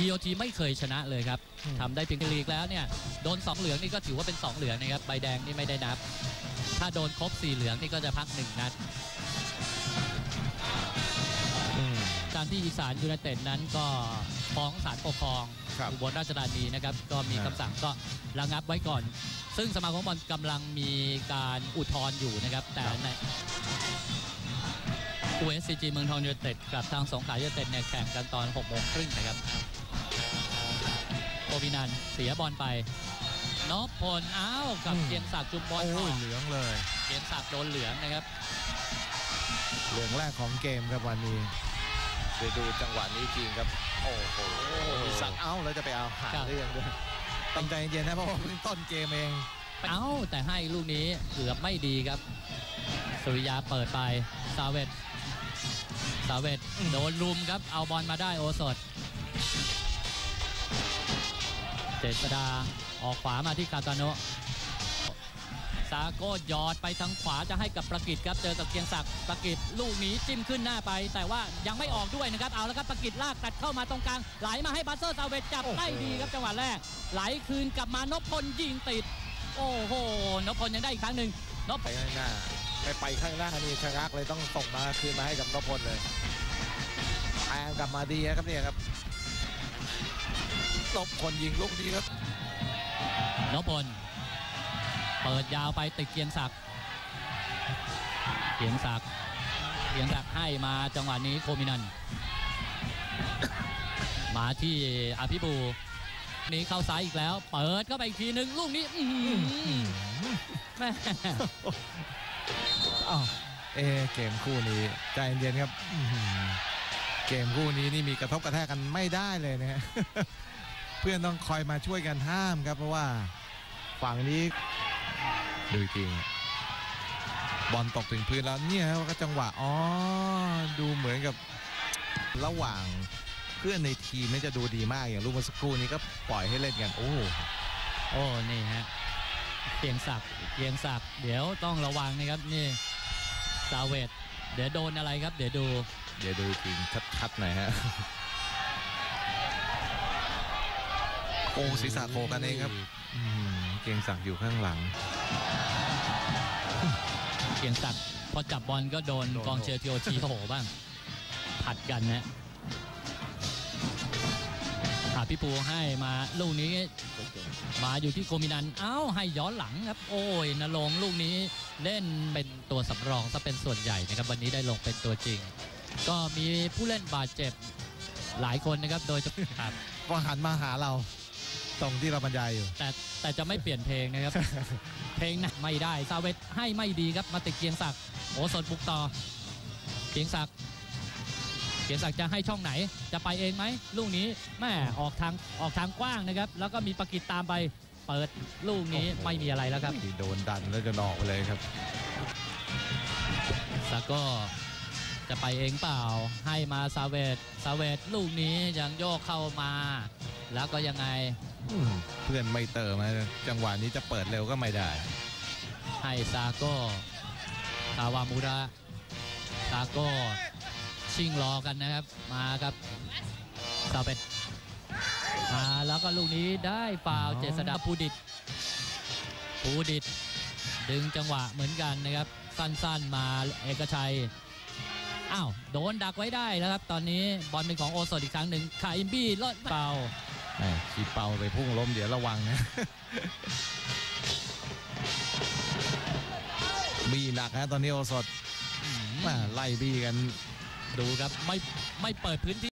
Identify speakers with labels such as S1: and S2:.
S1: TOT ไม่เคยชนะเลยครับทำได้เพียงลีกแล้วเนี่ยโดน2เหลืองนี่ก็ถือว่าเป็น2เหลืองนะครับใบแดงนี่ไม่ได้นับถ้าโดนครบ4เหลืองนี่ก็จะพัก1นัดการที่อีสานยูไนเต็ดนั้นก็ฟ้องศาลปกครองอุบลราชธานีนะครับก็มีคำสั่งก็ระงับไว้ก่อนซึ่งสมาคมบอลกำลังมีการอุทธรณ์อยู่นะครับแต่ในUSCG เมืองทองยูไนเต็ดกับทางสงขลายูไนเต็ดเนี่ยแข่งกันตอน 18:30 น.นะครับโอวินันเสียบอลไปนพพลอ้าวกับเกียงศักดิ์จุมบอล
S2: เหลืองเลย
S1: เกียงศักดิ์โดนเหลืองนะครับ
S2: เหลืองแรกของเกมครับวันนี้ไปดูจังหวะนี้จริงครับโอ้โหสั่งแล้วจะไปเอาหาได้ยังด้วยตั้งใจเย็นนะเพราะว่าเพิ่งต้นเกมเอง
S1: แต่ให้ลูกนี้เกือบไม่ดีครับสุริยาเปิดไปซาเวตโดนลุมครับเอาบอลมาได้โอสถเจษดาออกขวามาที่กาตาโนะซาโก้ยอดไปทางขวาจะให้กับประกิตครับเจอกับเกียงศักดิ์ประกิตลูกนี้จิ้มขึ้นหน้าไปแต่ว่ายังไม่ออกด้วยนะครับเอาแล้วครับประกิตลากตัดเข้ามาตรงกลางไหลมาให้บัสเซอร์ซาเวตจับได้ดีครับจังหวะแรกไหลคืนกลับมานพพลยิงติดโอ้โหนพพลยังได้อีกครั้งหนึ่งนพ
S2: ไปข้างหน้าไปข้างหน้านี่ชะงักเลยต้องส่งมาคืนมาให้กับนพพลเลยแทงกลับมาดีครับเนี่ยครับนพพลยิงลูกนี้ครับ
S1: นพพลเปิดยาวไปติดเกียงศักดิ์ให้มาจังหวะนี้โคมินันมาที่อภิบูนี้เข้าซ้ายอีกแล้วเปิดเข้าไปอีกทีหนึ่งลูกนี้แม่
S2: เกมคู่นี้ใจเย็นครับเกมคู่นี้นี่มีกระทบกระแทกกันไม่ได้เลยนะฮะเพื่อนต้องคอยมาช่วยกันห้ามครับเพราะว่าฝั่งนี้ดูจริงบอลตกถึงพื้นแล้วเนี่ยก็จังหวะดูเหมือนกับระหว่างเพื่อนในทีมนี่จะดูดีมากอย่างลูกเมื่อสักครู่นี้ก็ปล่อยให้เล่นกันโอ้
S1: นี่ฮะเกียงศักดิ์เดี๋ยวต้องระวังนะครับนี่ซาเวตเดี๋ยวโดนอะไรครับเดี๋ยวดู
S2: จริงชัดๆหน่อยฮะศีรษะโขกกันเองครับเกียงศักดิ์อยู่ข้างหลัง
S1: เกียงศักดิ์พอจับบอลก็โดนกองเชียร์ทีโอทีโหบ้างผัดกันนะพี่ปูให้มาลูกนี้มาอยู่ที่โคมินันให้ย้อนหลังครับนรงค์ลูกนี้เล่นเป็นตัวสำรองซะเป็นส่วนใหญ่นะครับวันนี้ได้ลงเป็นตัวจริงก็มีผู้เล่นบาดเจ็บหลายคนนะครับโดยครับ
S2: ก็หันมาหาเราตรงที่เราบรรยายอยู่
S1: แต่จะไม่เปลี่ยนเพลงนะครับเพลงนะไม่ได้ซาเวตให้ไม่ดีครับมาติดเกียงศักดิ์โอสถบุกต่อเกียงศักดิ์จะให้ช่องไหนจะไปเองไหมลูกนี้แม่ออกทางกว้างนะครับแล้วก็มีประกิตตามไปเปิดลูกนี้ไม่มีอะไรแล้วครับ
S2: โดนดันแล้วจะออกไปเลยครับ
S1: ซาโก้จะไปเองเปล่าให้มาซาเวตลูกนี้ยังโยกเข้ามาแล้วก็ยังไง
S2: เพื่อนไม่เติมนะจังหวะนี้จะเปิดเร็วก็ไม่ได้
S1: ให้ซาโก้คาวามูระซาโก้ชิงรอกันนะครับมาครับซาเวตมาแล้วก็ลูกนี้ได้ฟาวล์เจษฎาภูดิตดึงจังหวะเหมือนกันนะครับสั้นๆมาเอกชัยโดนดักไว้ได้แล้วครับตอนนี้บอลเป็นของโอสถอีกครั้งหนึ่งคาอิมบี้ลดเป่า
S2: ขีเป่าไปพุ่งล้มเดี๋ยวระวังนะบี้หนักนะตอนนี้โอสถไล่บี้กัน
S1: ดูครับไม่เปิดพื้นที่